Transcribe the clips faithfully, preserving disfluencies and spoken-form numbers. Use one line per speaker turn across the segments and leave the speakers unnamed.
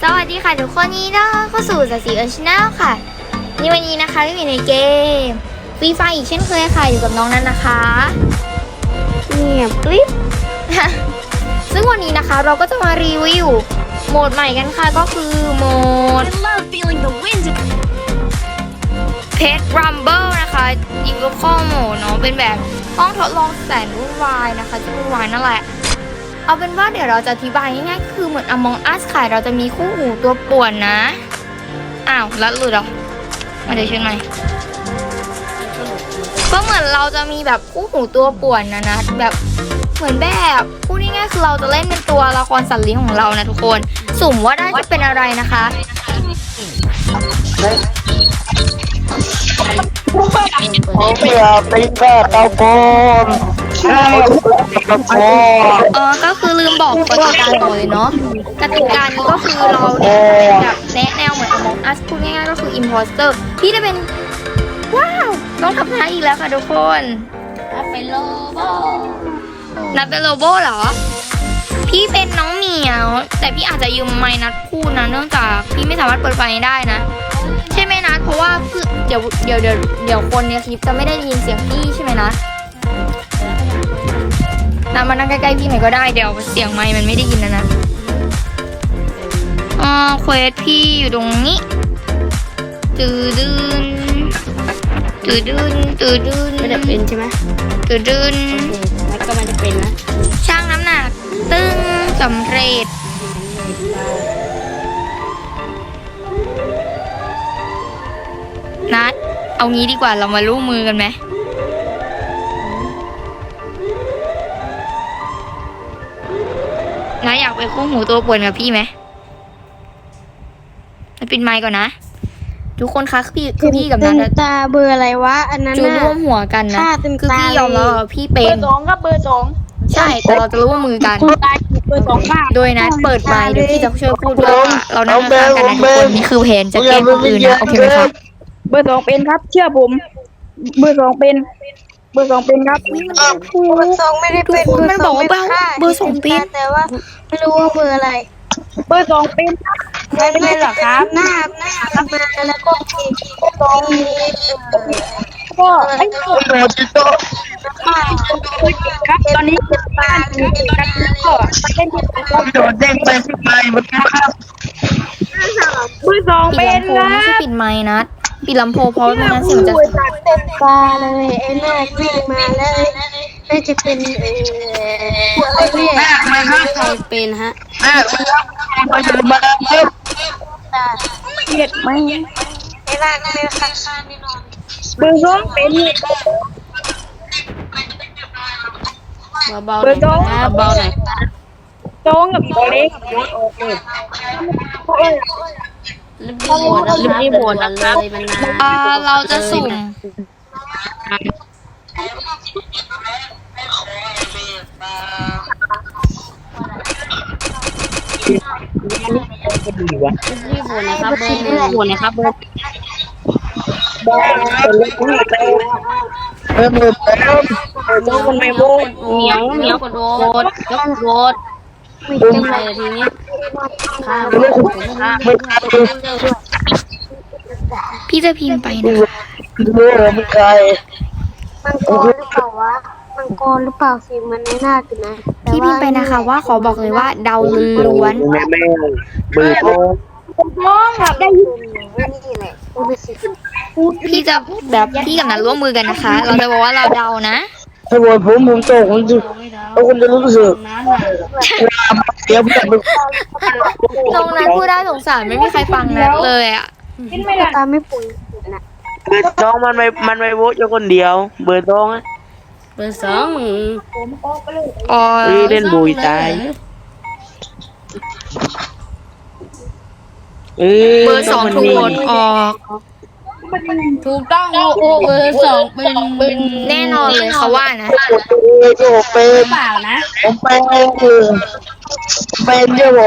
สวัสดีค่ะทุกคนนี่นะเข้าสู่สสีเอิร์ชแนลค่ะนี่วันนี้นะคะก็อยู่ในเกมฟรีไฟอีกเช่นเคยค่ะอยู่กับน้องนั้นนะคะเงียบกริบ ซึ่งวันนี้นะคะเราก็จะมารีวิวโหมดใหม่กันค่ะก็คือโหมด Pet Rumble นะคะยิงลูกข้อโหมดเนาะเป็นแบบห้องทดลองแสนวุ่นวายนะคะที่วุ่นวายนั่นแหละเอาเป็นว่าเดี๋ยวเราจะอธิบายง่ายๆคือเหมือน Among Us ค่ะเราจะมีคู่หูตัวป่วนนะอ้าวลัดหลุดเหรอมาเดี๋ยวช่วยหน่อยก็เหมือนเราจะมีแบบคู่หูตัวป่วนนะนะแบบเหมือนแบบพูดง่ายๆคือเราจะเล่นเป็นตัวละครสัตว์เลี้ยงของเรานะทุกคนสุ่มว่าได้จะเป็นอะไรนะคะ
เพื่อเป็นแค่ตะโกนตะโกน
เออก็คือลืมบอกกติกาก่อนเลยเนาะกติกานี้ก็คือเราเนี่ยแบบแนะแนวเหมือน Among Us พูดง่ายๆก็คือ Imposter ที่จะเป็นว้าวต้องทำท่าอีกแล้วค่ะทุกคนนับเป็นโลโบนับเป็นโลโบเหรอพี่เป็นน้องเหมียวแต่พี่อาจจะยืมไมค์นัดพูดนะเนื่องจากพี่ไม่สามารถเปิดไฟได้นะใช่ไหมนัดเพราะว่าเดี๋ยวเดี๋ยวเดี๋ยวเดี๋ยวคนในคลิปจะไม่ได้ยินเสียงพี่ใช่ไหมนัดนัดมานั่งใกล้ๆพี่หน่อยก็ได้เดี๋ยวเสียงไมค์มันไม่ได้ยินนะนะอ๋อเควสพี่อยู่ตรงนี้ตื่นดืนตื่นดืนตื่นดืน
ไม่ได้เป็นใช่ไหม
ตื่นดืน
แล้วก็มันจะเป็นนะ
ช่างน้ำหนักตึ้งสำเร็จนัดเอางี้ดีกว่าเรามาร่วมมือกันไหมนัดอยากไปคู่หูตัวป่วนกับพี่ไหมนัดปิดไมค์ก่อนนะทุกคนคะคือพี่คือพี่กับนัด
ตาเบอร์อะไรวะอันนั้น
จะ
น่ะ
ร่วมหัวกันนะ
ฆ่าเต็ม
คือ
ตา
พี่
เลย
ยอมแล้วว่าพี่เป็
เบอน ร์สองครับเบอร์สอง
ใช่แต่เราจะร่วมมือกัน
คุณตายเบอร์สองมาก
โดยนัดเปิดไมค์เดี๋ยวพี่จะช่วยพูดด้วยว่าเรานั่งข้างๆกันนะทุกคนนี่คือเพนจะแกล้งคนอื่นนะโอเคไหมครับ
เบอร์สองเป็นครับ เชื่อผม เบอร์สองเป็น เบอร์สองเป็นครับ
เบอร์สองไม่ได้เป็น
ทุกคนมันบอกว่า
เบอร์สอง
เบอร์สองเป็น
แต่ว่าไม่รู้ว่าเบอร์อะไร
เบอร์สองเป็นครับ
ไม่เป็นหรอครับหน้าหน้ามาแล้วก็ทีสองมี
ก็ไอ้
โดนจิโต้
ครับตอนนี้เป็นบ้านอยู่กันแล้วก็เล่นที่สอง
โดนเด้งไปที่ไมค์มันครับ
เบอร์สอง
ปิ
เป็
ด
น
ลำโพง
ค
ไม่
รั
ใช่
บ
ปิดไมค์นัดปิดลำโพงเพราะไม่งั้นเสียงมันจะ
เต็มตาเลยไอ้หน้าวิ่งมาแล้วน่าจะเป็นเอ่ออะไรเนี่ย
แม่มาครับ
ใครเป็นฮะ
แม่มาถึงมาครับ
ตา
เกลียดไหม
ไอ้ร่างเป็นข้างๆแน่นอน
เบอร์สองเป็น
เบาๆ
เบอร์สอง
นะเบาหน่อย
สองกับตัวเล็ก
รีบโหวตนะครับรีบรีบโหวตเลยมันนาน
เอ่อเราจะสุ่ม
ดีวะ
รีบโหวตนะครับเบอร์หนึ่งโหวตนะครับเบอร์
เออมือเต็ม
สองคนไม่โบน
เหนียวเหนียวกดโหวตยกโหวตไม่เป็นไรทีนี้ข้าวข้าว
มือครับ
พี่จะพิมพ์ไปนะ
ดูมือใคร
มังกรหรือเปล่าวะมังกรหรือเปล่าสิมันไม่น่าคือนะ
พี่พิมพ์ไปนะคะว่าขอบอกเลยว่าเดาล้วน
แม่แม่มือโต
น้องครับได้ยิน
นี่แหละกูไปสิ
พี่จะแบบพี่กับนัดร่วมมือกันนะคะ เราจะบอกว่าเราเดานะ
ถ้าวันผมผมโตผมจะแล้วคุณจะรู้สึกเดี๋ยวผมจะ
ตรงนั้นพูดได้สงสารไม่มีใครฟังนัดเลยอ่ะ
กินไม่ได้
ตาไม่ปุ๋ยนะ
เบอร์สองมันไม่มันไม่โว้อยู่คนเดียว เบอร์สองอะ
เบอร์สองมึง
อ๋อ
เล่นบุยตายเออ
เบอร์สองถูกโหวตออก
ถูกต้องโอ้โหเบอร์สองเป็นเป็น
แน่นอนเลยเขาว่านะ
โอ้เป็น
เปล่านะ
ผมเป็นเป็นเจ้าผม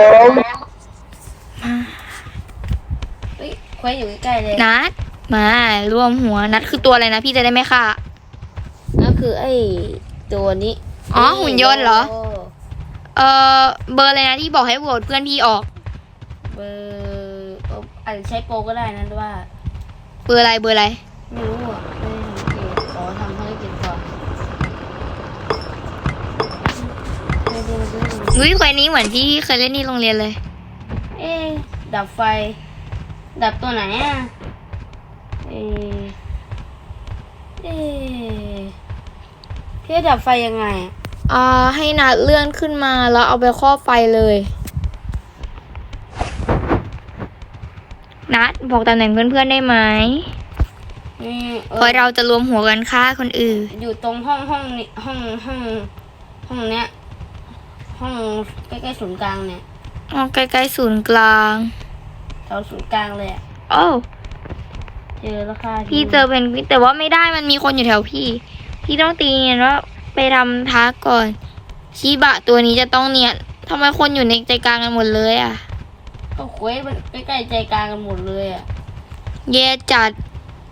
ควยอยู่ใกล้เลย
นัดมาร่วมหัวนัดคือตัวอะไรนะพี่จะได้ไหมค่ะ
นั่นคือไอ้ตัวนี้
อ๋อหุ่นยนต์เหรอ เออเบอร์อะไรนะที่บอกให้โหวตเพื่อนพี่ออก
เบอร์เอ่ออาจจะใช้โปรก็ได้นะว่า
เบอร์อะไรเบอร์อะไร
ไม่รู้อ่ะไม่ได้สังเกตขอทำภารกิจก่อนไม่ได้ไม่ได้ไม่ได้
วิเควสนี้เหมือนที่เคยเล่นที่โรงเรียนเลย
เอ๊ะดับไฟ ดับตัวไหนอ่ะเอ๊ะเอ๊ะพี่จะดับไฟยังไงอะ
อ่าให้นัดเลื่อนขึ้นมาแล้วเอาไปครอบไฟเลยนัดบอกตำแหน่งเพื่อนๆได้ไหม
นี่เอ
เพราะ
อ
เราจะรวมหัวกันฆ่าคนอื่น
อยู่ตรงห้องห้องนี้ห้องห้องห้องเนี้ยห้องใกล้ๆศูนย์กลางเนี่ย
อ๋อใกล้ๆศูนย์กลาง
แถวศูนย์กลางเลยอ่ะ
โอ้
เจอแล้วค่ะ
พี่เจอเพนกวินแต่ว่าไม่ได้มันมีคนอยู่แถวพี่ พี่ต้องตีเนียนว่าไปทำทักก่อนชีบะตัวนี้จะต้องเนียนทำไมคนอยู่ในใจกลางกันหมดเลยอ่ะ
ก็เควสมันใกล้ๆใจกลางกันหมดเลยอ่ะ
แย่จัด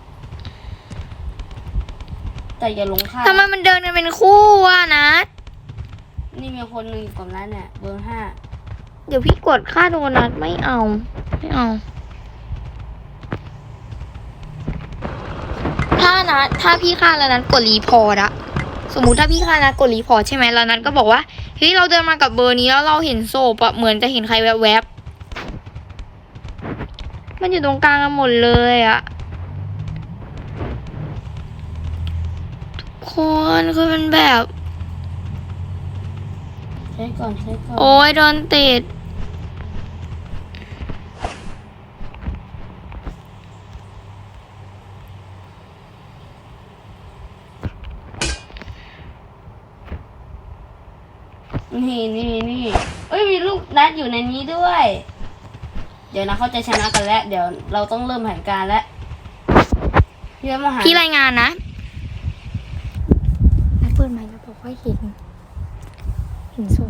แต่อย่าหลงค่า
ทำไมมันเดินกันเป็นคู่วะนัด
นี่มีคนหนึ่งอยู่กับนั้นเนี่ยเบอร์ห้า
เดี๋ยวพี่กดฆ่าโดนัทไม่เอา ไม่เอา ถ้านัดถ้าพี่ฆ่าแล้วนัดกดรีพอร์ตอะสมมุติถ้าพี่ฆ่านัดกดรีพอร์ตใช่ไหมแล้วนัดก็บอกว่าเฮ้ยเราเดินมากับเบอร์นี้แล้วเราเห็นโซปอะเหมือนจะเห็นใครแวบๆมันอยู่ตรงกลางกันหมดเลยอะทุกคนคือมันแบบ
ใช้ก่อนใช้ก่อน
โอ้ยโดนติด
นี่นี่นี่เอ้ยมีลูกนัดอยู่ในนี้ด้วย เดี๋ยวนะเขาจะชนะกันแล้ว เดี๋ยวเราต้องเริ่มแผนการแล้วพี่มาหา
พี่รายงานนะนัดเปิดไมค์แล้วบอกว่าเห็นเห็นโซ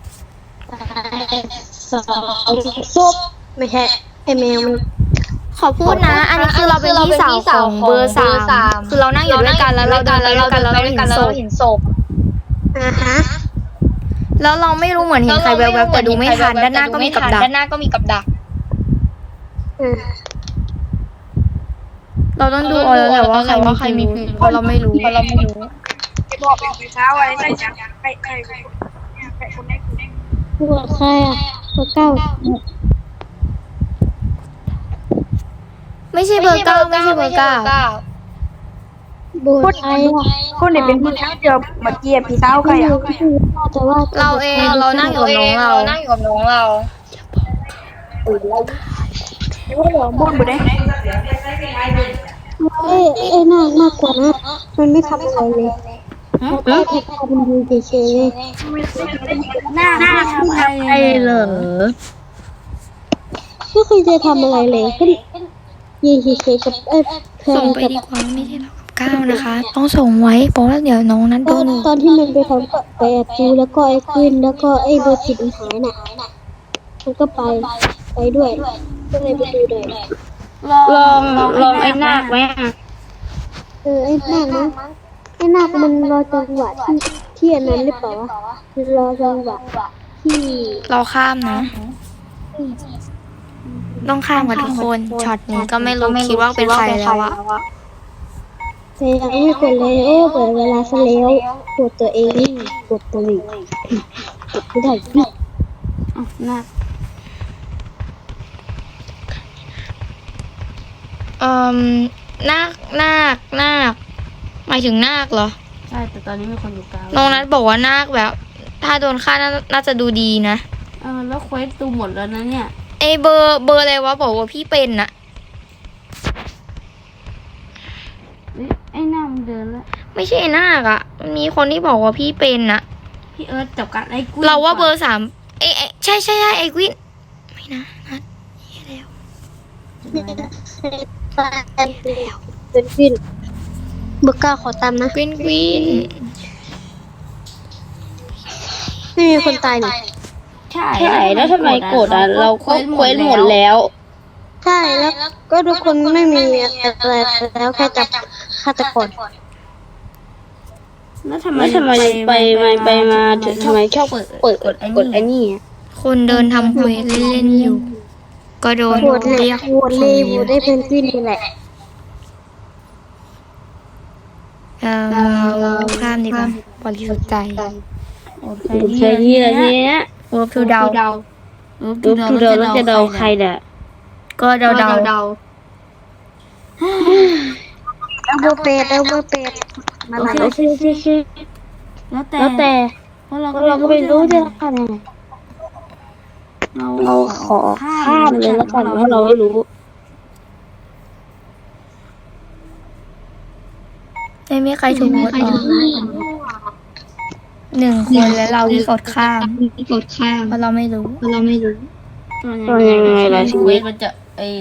สองซุปไม่ใช่ไอแมวมัน
ขอพูดนะ อันนี้คือเราเป็นพี่สาวของเบอร์สามคือเรานั่งอยู่ด้วยกันแล้วเราเดินไปด้วยกันแล้วเราเห็นศพ
อ่าฮะ
แล้วเราไม่รู้เหมือนเห็นใครแวบๆแต่ดูไม่ทันด้านหน้าก็มีกับดักด้านหน้าก็มีกับดัก
อืม
เราต้องดูเอาแล้วแหละว่าใครว่าใครมีพิรุธเพราะเราไม่รู้เพราะเราไม่รู้
บอกไปเช้าไว้ใส่จังไปไปไป
เบอร์ใครอ่ะเบอร์เก้า
ไม่ใช่เบอร์เก้าไม่ใช่เบอร์เก้า
เบอร์ใครอ่ะ
คนไหนเป็นผู้ชายเดียวเมื่อกี้พี่สาวใครอ่ะ
แต่ว่า
เราเองเรานั่งอยู่กับน้องเรานั่งอยู่กับน้องเรา
บ้วนบุได้
เอ้ยเอ้ยน่าน่ากลัวนะมันไม่ทำอะไรเลยมันแค่แค่พามันดูเฉยๆเลย
หน้าหน้าทำอะไรเหรอ
ไม่เคยจะทำอะไรเลยแค่ยืนเฉยๆกับเอ้ยเธอ
ส่งไป
กับ
ดีกว่าไม่ใช่เรากับก้าวนะคะ ต้องส่งไว้เพราะว่าเดี๋ยวน้องนั้น
ต
โด
อน
น
ตอนที่มันไปทำกับไปแอบดูแล้วก็ไอ้ขึ้นแล้วก็ไอ้เบอร์สิบมันหายน่ะมันก็ไปไปด้วยก็เลยไปดูเลย
ลองลองไอ้นาคไหมอ่ะ
เออไอ้นาคนะไอ้นาคมันรอจังหวะที่ที่อันนั้นหรือเปล่าวะมันรอจังหวะที่
เราข้ามนะ ต้องข้ามกับทุกคนช็อตนี้ก็ไม่รู้คิดว่าเป็นใครแล้วอะ
แต่ยังไม่กดเลยโอ้เปิดเวลาซะแล้วกดตัวเองนี่กดตัวเองกดไม่ได้พี่
อ๋อนาค
เอ่อนาคนาคนาคหมายถึงนาคเหรอ
ใช่แต่ตอนนี้มีคนอยู่กลาง
น้องนัทบอกว่านาคแบบ ถ้าโดนฆ่าน่าน่าจะดูดีนะ
เออแล้วเควสดูหมดแล้วนะเนี่ย
ไอเบอร์เบอร์อะไรวะบอกว่าพี่เป็นน่ะ
เอ้ยไอ้หน้ามันเดินแล้ว
ไม่ใช่นาคอะมีคนที่บอกว่าพี่เป็นน่ะ
พี่เอิร์ธจับกันไอ้กุ้ย
เราว่าเบอร์สามเอยเอยใช่ใช่ใช่ไอควินไม่นะนัทเหี้ยแล้ว
ตายแล้วเป็นวินเบอร์เก้าขอตามนะ
ควินควิน
ไม่มีคนตายนี่
ใช่แล้วทำไมกดอ่ะเราเควสหมดแล้ว
ใช่แล้วก็ทุกคนไม่มีอะไรแล้วแค่จับฆาตกร
แล้วทำไมทำไมไปมาไปมาทำไมชอบเปิดเปิดกดกดไอ้นี่
คนเดินทำเควสเล่นๆอยู่ก็โดน
โหวตเลย
เรียก
โหวตเลยโหวตได้เพนกวินนี่แหละ
เอ่อข้ามดีกว่าบริสุทธิ์ใจ
ใครที่อะไรเนี้ย
เวิร์บทูเดา
รูปดูเดาแล้วจะเดาใครเนี่ย
ก็เดาเดา
เอาเบอร์เป็ดเอาเบอร์เป็ดมาหลัง
โอเคโอเคโอเคแล้วแต่แล้วแต่เพราะเราก็เราก็ไม่รู้จะทำยังไงเราขอข้ามเลยแล้วกันเพราะเราไม่รู้
ไม่มีใครถูกโหวตออกหนึ่งคนแล้วเราที่กดข้ามเพราะเราไม่รู้
ก็ยังไงล่ะชีวิตมันจะไอ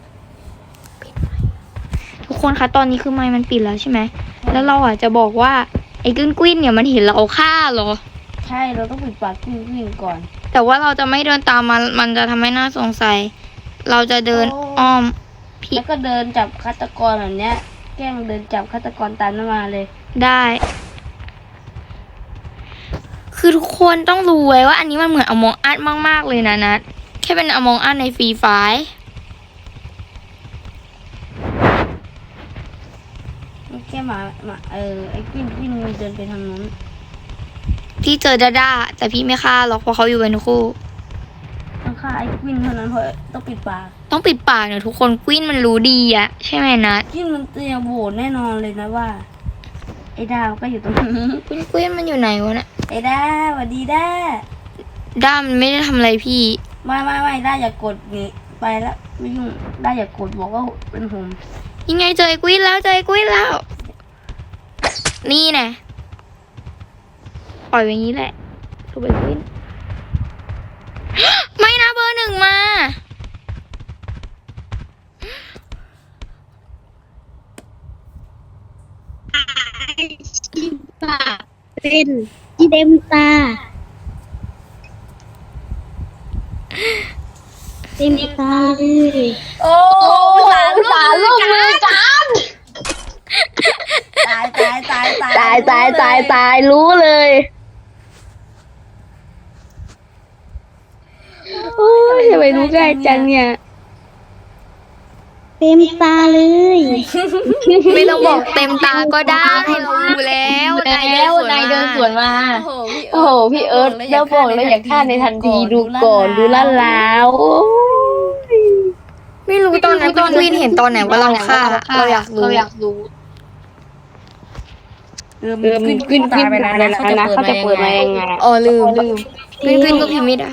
ทุกคนคะตอนนี้คือไมค์มันปิดแล้วใช่ไหมแล้วเราอ่ะจะบอกว่าไอ้กึ้นกวินเนี่ยมันเห็นเราเอาฆ่าเหรอ
ใช่เราต้องปิดปากวิ่งวิ่งก่อน
แต่ว่าเราจะไม่เดินตามมันมันจะทำให้น่าสงสัย เราจะเดินอ้อมพี่
แล้วก็เดินจับฆาตกรแบบเนี้ยแกล้งเดินจับฆาตกรตามนั้นมาเลย
ได้ คือทุกคนต้องรู้ไว้ว่าอันนี้มันเหมือนอมองอัดมากๆเลยนะนัดแค่เป็นอมองอัดในฟรีไฟล์
แค่หมาหมาเออไอ้กิ้งกิ้งมันเดินไปทางนู้น
พี่เจอดาด้าแต่พี่ไม่ฆ่าหรอกเพราะเขาอยู่เป็นคู่
ต้องฆ่าไอ้กิ้งเท่านั้นเพราะต้องปิดปาก
ต้องปิดปากเนี่ยทุกคนกวินมันรู้ดีอะใช่ไหมนัด
กิ้งมันเตรียมโหวตแน่นอนเลยนะว่าไอ้ดาวก็อยู่ตรงนี้
กวินกวินมันอยู่ไหนวะเนี่ย
ไอ้ด้าสวัสดีด้า
ด้ามันไม่ได้ทำอะไรพี่
ไม่ไม่ไม่ด้าอย่ากดนี่ไปแล้วไม่ยุ่งด้าอย่ากดบอกว่าเป็นผม
ยังไงเจอไอ้กวินแล้วเจอไอ้กวินแล้ว นี่แน่ปล่อยไว้อย่างนี้แหละถูกไปกวิน ไม่นะเบอร์หนึ่งมา
เป็นเต็มตาเต็มตาเลย
โอ้สารสารลูกมือกันตายตายตายตาย
ตายตายตายตายรู้เลยโอ้ยทำไมรู้ง่ายจังเนี่ย
เต็มตาเลย
ไม่ต้องบอกเต็มตาก็ได้เรารู้แล้วนายเดินสวนมา
โอ้โหพี่
โอ้โหพี่เอิร์ธแล้วบอกเลยอยากฆ่าในทันทีดูก่อนดูล่าแล้วโอ้ย
ไม่รู้ตอนนั้นกวินเห็นตอนไหนว่าเราฆ่าเราอยากรู้
เออ
เออมันขึ้นขึ้นไปนานแล้วนะเขาจะเปิดมายังไง
อ๋อลืมลืมกวินกวินก็พิมพ์ไม่ได้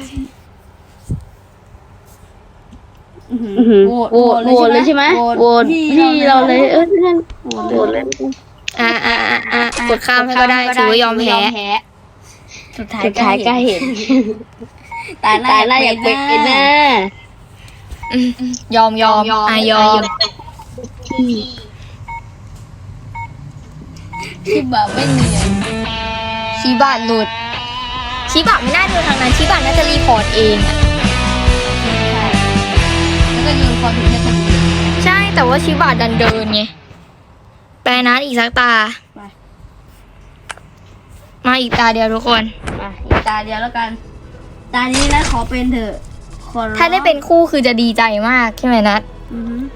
โหวต
โหวตโหวตเลยใช่ไหมโหวตพี่เราเลยเออนั่นโหวตเลย
อ่าอ่าอ่าอ่ากดข้ามให้ก็ได้ถือว่ายอมแพ้
สุดท้าย
สุดท้ายก็เห็น
ตาย
ตายแล้วอยากเป็นนะ
อืมยอมยอมอ่ะยอม
ที่แบบไม่เนียน
ชีบะหลุดชีบะไม่น่าเดินทางนั้นชีบะน่าจะรีพอร์ตเองอะ
แล้วก็ยืนคอยถึงแค่ตรงนี้
ใช่แต่ว่าชีบะดันเดินไงแปลนัดอีกสักตา มาอีกตาเดียวทุกคน
มาอีกตาเดียวแล้วกัน ตานี้นะขอเป็นเถอะขอร้อง
ถ้าได้เป็นคู่คือจะดีใจมากใช่ไหมนัด
อือหือ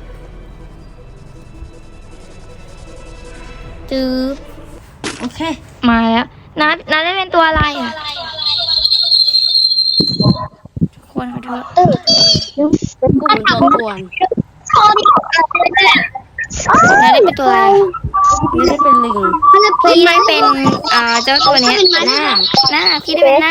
จือ
โอเค
มาแล้วนัดนัดได้เป็นตัวอะไรอ่ะทุกคนขอโทษ
เป็นกลุ่มตัวป่วน
นัดได้เป็นตัวอะไร
ไม่ได้เป็นลิง
พี่ได้เป็นอ่าเจ้าตัวเนี้ย
หน้า
หน้าพี่ได้เป็นหน้า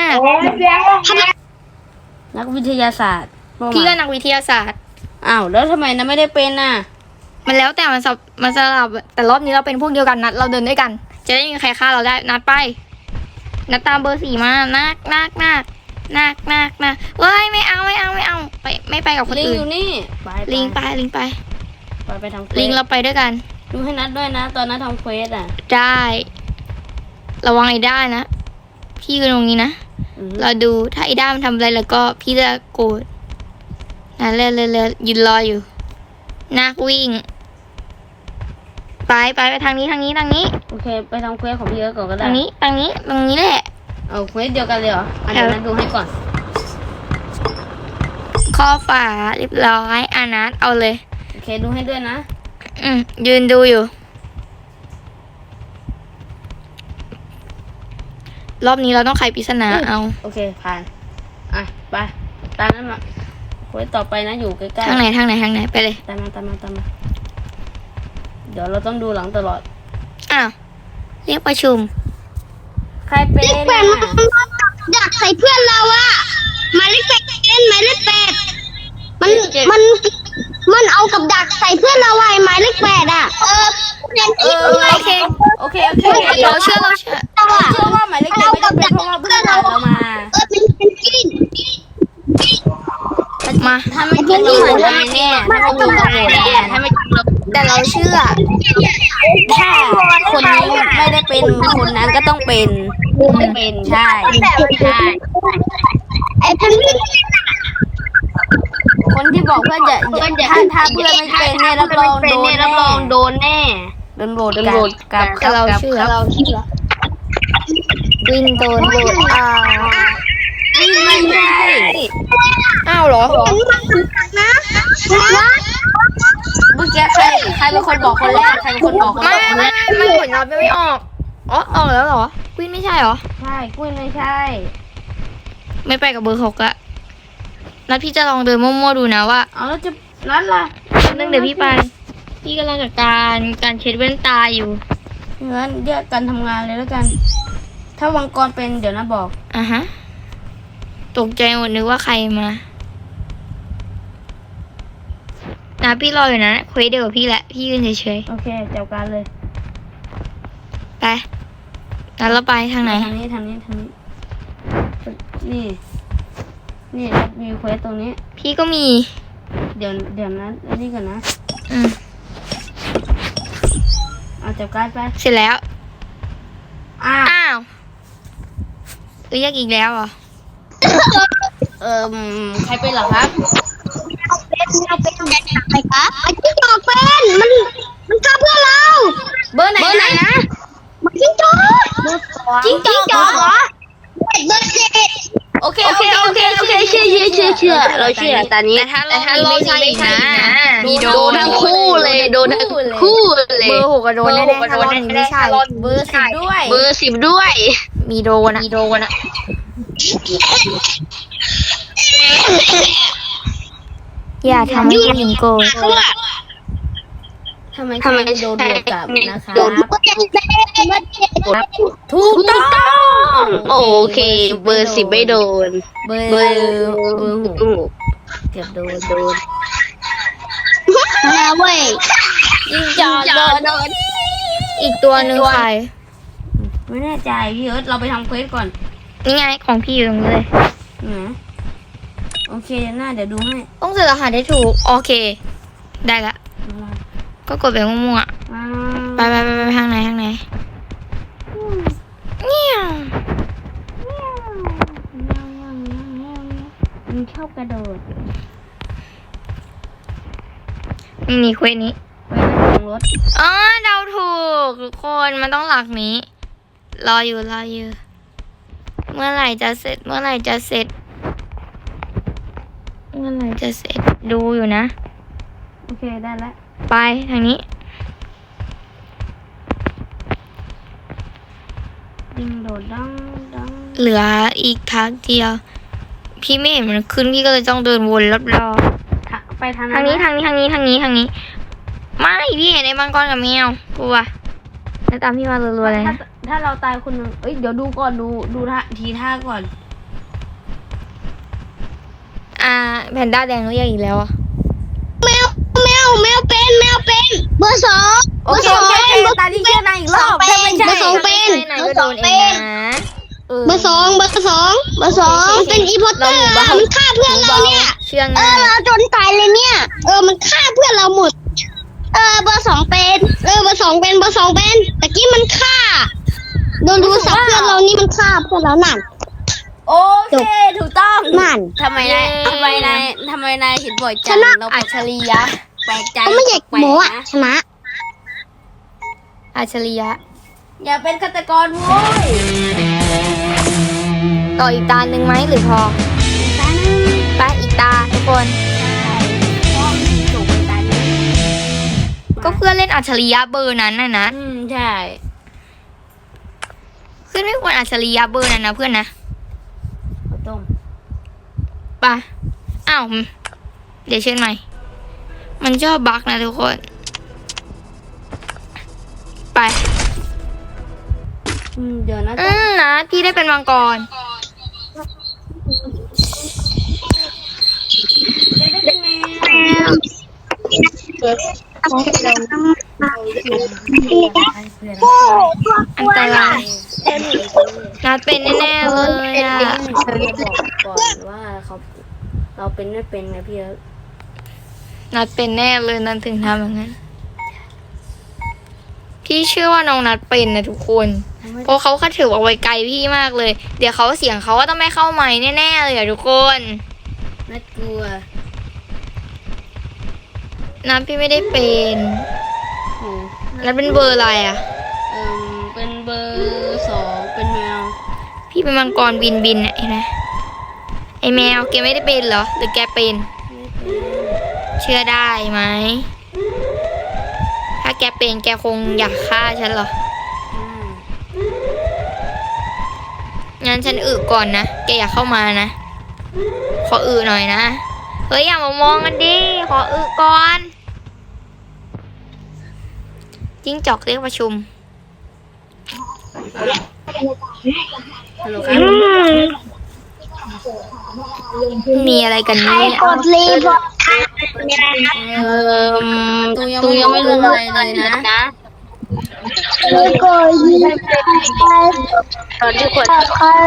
นักวิทยาศาสตร์ว่ามา
พี่ก็นักวิทยาศาสตร์
อ้าวแล้วทำไมนะไม่ได้เป็นน่ะ
มันแล้วแต่มันสับมันสลับแต่รอบนี้เราเป็นพวกเดียวกันนัดเราเดินด้วยกัน จะได้ไมมีใครฆ่าเราได้นัดไป นัดตามเบอร์สี่มานักนักนักนักนักนักเว้ยไม่เอาไม่เอาไม่เอาไปไม่ไปกับคน
ลิง
อื่
อน ยู่นี่ไป
ลิงไปลิงไป
ไปไปทำเควส
ลิงเราไปด้วยกัน
ดูให้นัดด้วยนะ ตอนนั้นทำเควสอ่ะ
ได้ ระวังไอ้ด้านะพี่อยู่ตรงนี้นะ
อือหือ
เราดูถ้าไอ้ด้ามันทำอะไรแล้วก็พี่จะโกรธนั่นเลยเลยเลยยืนรออยู่นักวิ่ง ไปไปไปทางนี้ทางนี้ทางนี้
โอเค ไปทำเควสของพี่เอิร์ธก่อนก็ได้
ทางนี้ทางนี้ตรงนี้แหละ
เอาเควสเดียวกันเลยเหรออันนี้นัดดูให้ก่อน
ข้อฝาเรียบร้อยอานัทเอาเลย
โอเคดูให้ด้วยนะ
อืมยืนดูอยู่ รอบนี้เราต้องไขปริศนาเอา
โอเคผ่านอ่ะไปตามนั้นมาคุยต่อไปนะอยู่ใกล้ๆ
ทางไหนทางไหนทางไหนไปเลย
ตามมาตามมาตามมาเดี๋ยวเราต้องดูหลังตลอด
อ้าวเรียกประชุม
ใครเป็น
เลขแปดมันดักใส่เพื่อนเราอะหมายเลขแปดเป็นหมายเลขแปดมันมันมันเอากับดักใส่เพื่อนเราไว้หมายเลขแปดอะเออเรียน
เอ
อีก
อ
ด้วย
โอเค
โอเคโอเคโอเค
เราเชื่อเราเชื่อ
เราอะ
เชื่อว่าหมายเลขเจ็ดไม่ได้เป็นเพราะว่าเพื่อนเราเรามา
เออเป็นเป็นกิน
มา
ถ้าไม่จริงเราโหวตนายแน่ถ้าไม่จริงเราโหวตแน่ถ้าไม่จริงเรา
แต่เราเชื่อ
ถ้าคนนี้ไม่ได้เป็นคนนั้นก็ต้องเป็นเป็นใช่ใช่
ไอ้พันนี่
คนที่บอกเพื่อนจะถ้าถ้าเพื่อนไม่เป็นเนี่ยรับรองโดนแน่รับรองโดนแน่โดนโหวตกับ
แต่เราเชื่อ
เราเชื่อ
วินโดนโหวตอ่า
ไม่ใช่
อ้าวเหรอ
นะนะ
เมื่อกี้ใครใครเป็นคนบอกคนแรกใครเป็นคนบอกคน
ไม่
แรก
ไม่ไม่ผลลัพธ์ยังไม่ออก อ๋อออกแล้วเหรอ วินไม่ใช่เหรอ
ใช่กุ้ยไม่ใช่
ไม่ไปกับเบอร์หกอะนัดพี่จะลองเดินมั่วๆดูนะว่า
เอาแล้วจะนัดล่ะ
นึงเดี๋ยวพี่ไป พี่กำลังจัดการการเช็ดแว่นตาอยู่
งั้นเรียกกันทำงานเลยแล้วกัน ถ้าวังกรเป็นเดี๋ยวนะบอก
อ่ะฮะ ตกใจหมดนึกว่าใครมานะพี่รออยู่นะเควสเดียวกับพี่แหละ พี่ยืนเฉย
โอเคจัดการเลย
ๆ ไปแล้วเราไปทางไหน
ทางนี้ทางนี้ทางนี้ นี่ นี่แล้วมีเควสตรงนี้
พี่ก็มี
เดี๋ยวเดี๋ยวนะอันนี้ก่อนนะ
อืม
เอาจับการดไป
เสร็จแล้ว
อ้าว
อ้าวเรียกอีกแล้วเหรอ
เอ่อใครเป็นเหรอครับ
เป็นเราเป็นใครคะไอ้จิ้งจอกเป็นมันมันฆ่าเพื่อนเรา
เบอร์ไหนนะ
มันจิ้งจอก
จิ้งจอก
จอกเหรอเบอร์เจ็ด
โอเคโอเคโอเคโอเคเชื่อเชื่อเชื่อเชื่อเราเชื่อตอนนี้
แต่ถ้าเราไม่ใช่อีกนะมีโด
โด
น
นทั้งคู่เลยโดนทั้งคู่เลย
เบอร์หกกับโดนแน่ๆถ้ารอบนี้ไม่ใช่
เบอร์สิบด้วย เบอร์สิบด้วย
มีโดนอะมีโดนอะอย่าทำให้ผู้หญิงโกรธ
ทำไมทำไมโดนบวกกลับนะคะ
เบอร์เจ็ดเป็นเบอร์เจ็ด
ถูกต้องโอเค เบอร์สิบไม่โดน เบอร์เบอร์หกเกือบโดนโดน
นะเว้ย
ยิงจอโดนโดน
อีกตัวหนึ่งใคร
ไม่แน่ใจพี่เอิร์ธเราไปทำเควสก่อน
นี่ไงของพี่อยู่ตรงนี้เลย
นะโอเคหน้าเดี๋ยวดูให้
ต้องเจอรหัสได้ถูก โอเค ได้ละ ก็กดไปมั่วๆ
ว้า
ไปไปไปไปทางไหนทางไหนเงี้ยว
มันชอบกระโดด
นี่เควสนี้
ไปนั่งลงรถ
อ๋อเดาถูกทุกคนมันต้องหลักนี้ รออยู่รออยู่ เมื่อไหร่จะเสร็จ เมื่อไหร่จะเสร็จ เมื่อไหร่จะเสร็จดูอยู่นะ
โอเคได้แล้ว
ไปทางนี้
ยิงโดดดังดัง
เหลืออีกทางเดียว พี่ไม่เห็นมันขึ้นพี่ก็เลยต้องเดินวนรอบ
ทะไปทาง
ๆทางนี้ทางนี้ทางนี้ทางนี้ทางนี้ ไม่พี่เห็นไอ้มังกรกับแมวกลัวแล้วตามพี่มารัวๆเลย
ถ้า
นะ
ถ้าเราตายคนหนึ่งเอ้ยเดี๋ยวดูก่อนดูดูท่าทีท่าก่อน
อ่าแพนด้าแดงเรียกอีกแล้วอ่ะ
แมวแมวแมวเป็นแมวเป็นเบอร์สอง
โอเคโอเคโอเคตาดีเชื่อนายอีกรอบถ้าไม่ใช่
เบอร์สองเป็น
ไหน
เบอ
ก็
ร์
โด
สอง
นเอ
เป็
ง
น
นะ
เออ
เบอร์สองเบอร์สองเบอร์สองเป็นอีพอตเตอร์อะมันฆ่าเพื่อนเราเนี่ย
เชื่อง
เอ
ง่า
อย เราจนตายเลยเนี่ย เออ มันฆ่าเพื่อนเราหมด เออ เบอร์สองเป็น เออ เบอร์สองเป็น เบอร์สองเป็นตะกี้มันฆ่า โดนดูสับเพื่อนเรานี่มันฆ่าเพื่อนเรานั่น
โอเคถูกต้อง
นั่น
ทำไมนายทำไมนายทำไมนายเห็นบ่อยจัง
ชนะ
เราอัจฉริยะแปลกใจ
ก็ไม่อยาก
แปล
โม้
ก
อะ
นะ
ชนะ
อัจฉริยะ
อย่าเป็นฆาตกรโว้ย
ต่ออีกตาหนึ่งไหมหรือพอ ไปอีกตาทุกคนพื่อนเล่นอัจฉริยะเบอร์นั้นนะนะ
อืมใช่
เพื่อนไม่ควรอัจฉริยะเบอร์นั้นนะเพื่อนนะ
ข้าวต้ม
ไปอ้าวเดี๋ยวเชิญใหม่ มันชอบบั๊กนะทุกคน ไป
อืมเดี๋ยวนะ
อืมนะพี่ได้เป็นมังกร
ได้ได้เป็นแมว
อันตรายนัดเป็นแน่ๆเลยอ่ะ
เราจะบอกก่อนว่าเขาเราเป็นไม่เป็นไงพี่เอิร์ธ
นัดเป็นแน่เลยนัดถึงทำอย่างนั้น พี่เชื่อว่าน้องนัดเป็นนะทุกคน เพราะเขาคัดถือเอาไว้ไกลพี่มากเลย เดี๋ยวเขาเสียงเขาก็ต้องไม่เข้าไม้แน่ๆเลยอะทุกคน
น่ากลัว
นัดพี่ไม่ได้เป็น
โอ้
นัดเป็นเบอร์อะไรอะ
เออเป็นเบอร์สองเป็นแมว
พี่เป็นมังกรบินบินอะเห็นไหมไอแมวแกไม่ได้เป็นเหรอ หรือแกเป็น
ไม่เป็น
เชื่อได้ไหม ถ้าแกเป็นแกคงอยากฆ่าฉันเหรอ
อ่า
งั้นฉันอึก่อนนะ แกอย่าเข้ามานะ ขออึหน่อยนะ เฮ้ยอย่ามามองกันดิ ขออึก่อนจิ้งจอกเรียกประชุม
ฮัลโหลครับ
มีอะไรกัน
ใคร
เนี่ย
กดรีพอร์ตมีอะไรครับ
เออตูยังไม่รู้อะไรเลยนะ
แล้วก็ยิงตอนที่กด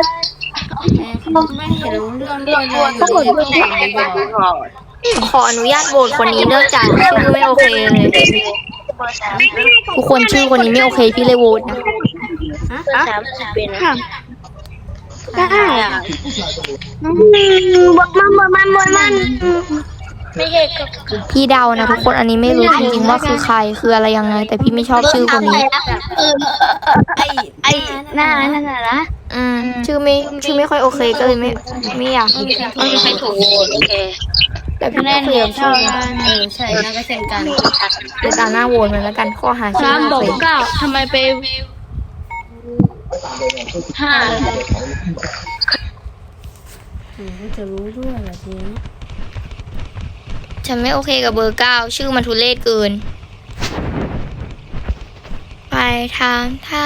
ไม่เห็นรู้เรื่องด้วยเลยอยู่ดีๆก็ถามไปบอก
ขออนุญาตโหวตคนนี้เนื่องจากชื่อไม่โอเคเลย ทุกคนชื่อคนนี้ไม่โอเคพี่เลยโหวตนะ
สามสิบเป็นค่ะได้บทมันบทมันบทมันไม่ใช่กับ
พี่เดานะทุกคนอันนี้ไม่รู้จริงๆว่าคือใครคืออะไรยังไง แต่พี่ไม่ชอบชื่อคนนี้
เออไอไอหน้านั่นน่ะนะ
อืมชื่อไม่ชื่อไม่ค่อยโอเคก็เลยไม่ไม่อยาก
ไม่มีใครถูกโอเค
แต่พี่แน่นเดียวชื่อนะ
เออใช่น่าก็เช่นกัน
เดี๋ยวตาหน้าโหวตมันแล้วกันข้อหาชื่อ
สาม
ไม่
บอ
โอก เค
เก้าทำไมไปห้า
อืมจะรู้ด้วยเหรอทีนี้
ฉันไม่โอเคกับเบอร์เก้าชื่อมันทุเรศเกิน ไปทางท่า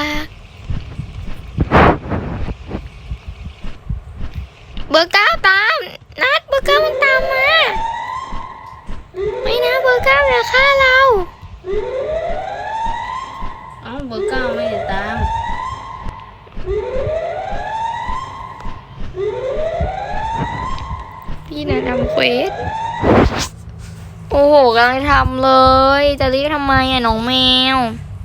เบอร์เก้าตามนัดเบอร์เก้ามันตามมาไม่นะเบอร์เก้าอย่าฆ่าเรา
เอ้าเบอร์เก้าไม่ได้ตาม
พี่นะทำเควสโอ้โหกำลังทำเลย จะเรียกทำไมอ่ะน้องแมว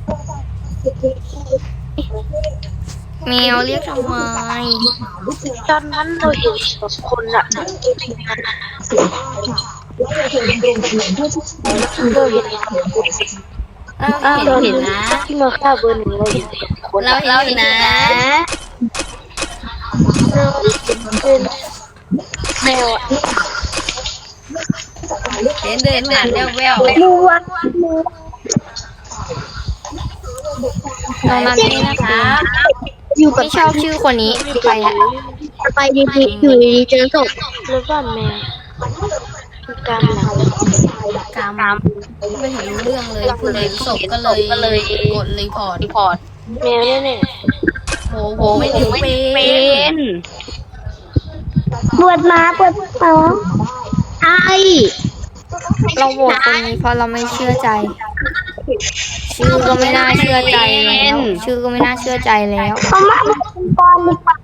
แมวเรียกทำไม
ตอนนั้นเราเห็นสองคนอะเราเห็น
เราเห็นเห็นนะ
ที่มาฆ่าเบอร์หนึ่งเราเห็นสองคน
เราเห็นเห็นนะ
เป็นแมวอะ
เห็นเดินผ่านแววแวว
มูวัดมู
น้องนัทนี่นะคะ
อยู่กับ
ไม่ชอบชื่อคนนี้ไปละ
ไปดีๆอยู่ดีๆเจอศพแล้วก็แมวกำลัง
กามไม่เห็นรู้เรื่องเลยผู้เห็นศพก็เลยกดรีพอร์ตรีพอร์ต
แมวเนี่ย
โอ้โหไม่ถึงเป็น
ปวดมาปวดท้องไอ
เราโหวตคนนี้เพราะเราไม่เชื่อใจ ชื่อก็ไม่น่าเชื่อใจแล้วชื่อก็ไม่น่าเชื่อใจแล้ว
เขามาเป็นกอนดีกว่า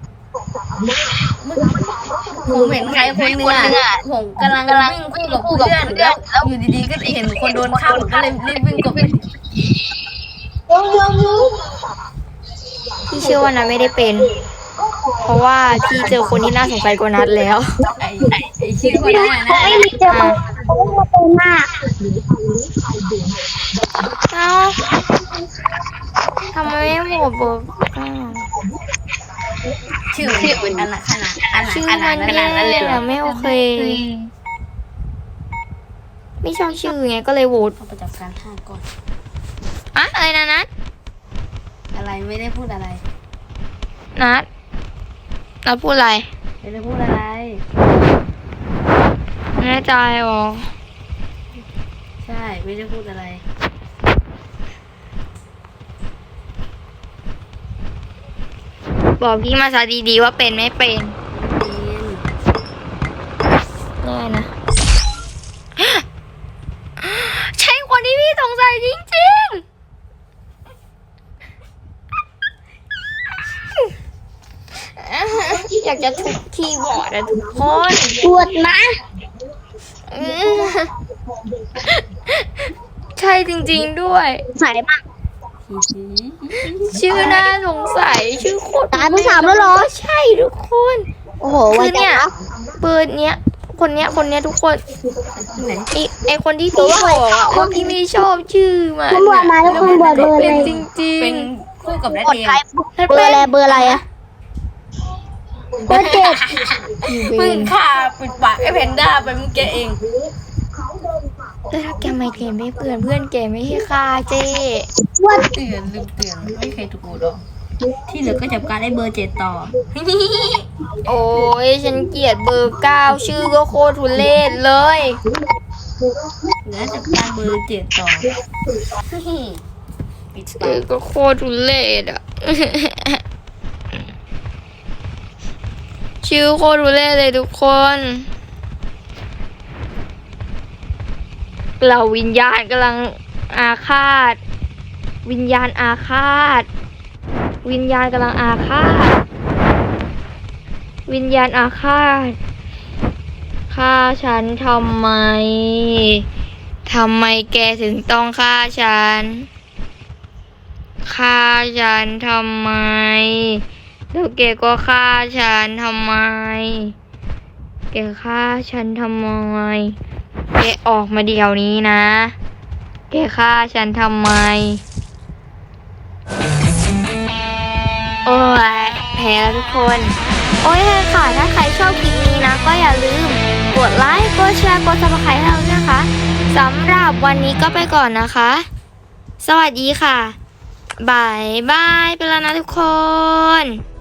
ผมเห็นใครคนหนึงอ่ะผมกำลังวิ่งคู่กับเพื่อนแล้วอยู่ดีๆก็เห็นคนโดนฆ่าผมก็เลยรีบวิ่งกลับไป
พี่เชื่อว่านัทไม่ได้เป็น เพราะว่าพี่เจอคนที่น่าสงสัยกว่านัทแล้ว
ไอ้ไอ้ชื่อคนนั้นนะ
ไม่มีเจอมาเขามาเป็นหน้า
เอ้าทำไมไม่โหวตเบอร์เก้า
ชื่อมันอันขนาดอัน
ชื่อ
ขนา
มั
ด
น
ขนาดนั้นเลยเหร
แย่
อ
ไม่โอเค ไม่ไม่ชอบชื่อไงก็เลยโหวต
เอาประจับการห้าก่อน
อะอะไรนะนัท
อะไรไม่ได้พูดอะไร
นัทนัทพูดอะไร
ไม่ได้พูดอะไร
แน่ใจหรอ
ใช่ไม่ได้พูดอะไร
บอกพี่มาซะดีๆว่าเป็นไม่เป็น
เรียน
แน่นะ ใช่คนที่พี่สงสัยจริงๆ อยากจะทุบคีย์บอร์ดอะทุกคน
ปวดนะ
อืมใช่จริงๆด้วย
ใส่มาก
ชื่อน่าสงสัยชื่อโคตร
ตายไปสามแล้วเหรอ
ใช่ทุกคน
โอ้โห
คื
วั
อน เนี่ย
นะ
เปิดเนี้ย คนเนี้ยคนเนี้ยทุกคน
ไหน
ไอไอคนที่พี่บอกอะว่าพี่ไม่ชอบชื่อมัน
คุณบอกมาแล้วคุณบอกเบอร์อะไร
เป็นจริง
เป็
ๆ
นคู่กับแรด
กด
เดีย
ใคร
นั่น
เบอ
เป็
ร์
น
อะไรเบอร์อะไรอะเบอร์เจ็ด
มึงฆ่าปิดปากไอ้เพนด้าไปมึงแกเอง
แล้วถ้าแกไม่เกมไม่เพื่อนเพื่อนแกไม่ให้ค่าเจ้
ว่า
เตือนลืมเตือนไม่เคยถูกกูหรอกที่เหลือก็จับการได้เบอร์เจ็ดต่อ
โอ้ยฉันเกลียดเบอร์เก้าชื่อก็โคตรทุเรศเลย
เหลือจับการเบอร์เจ็ดต่อปิด
ชื่
ปา
อก ก็โคตรทุเรศอ่ะ ชื่อโคตรทุเรศเลยทุกคนเราวิญญาณกำลังอาฆาต วิญญาณอาฆาต วิญญาณกำลังอาฆาต วิญญาณอาฆาตฆ่าฉันทำไมทำไมแกถึงต้องฆ่าฉันฆ่าฉันทำไมแล้วแกก็ฆ่าฉันทำไมแกฆ่าฉันทำไมแกออกมาเดี๋ยวนี้นะ แกฆ่าฉันทำไม โอ้ยแพ้แล้วทุกคน โอ้ยค่ะ ถ้าใครชอบคลิปนี้นะ ก็อย่าลืม กดไลค์ กดแชร์ กดซับสไครต์ให้เราด้วยนะคะ สำหรับวันนี้ก็ไปก่อนนะคะ สวัสดีค่ะ บายบาย ไปแล้วนะทุกคน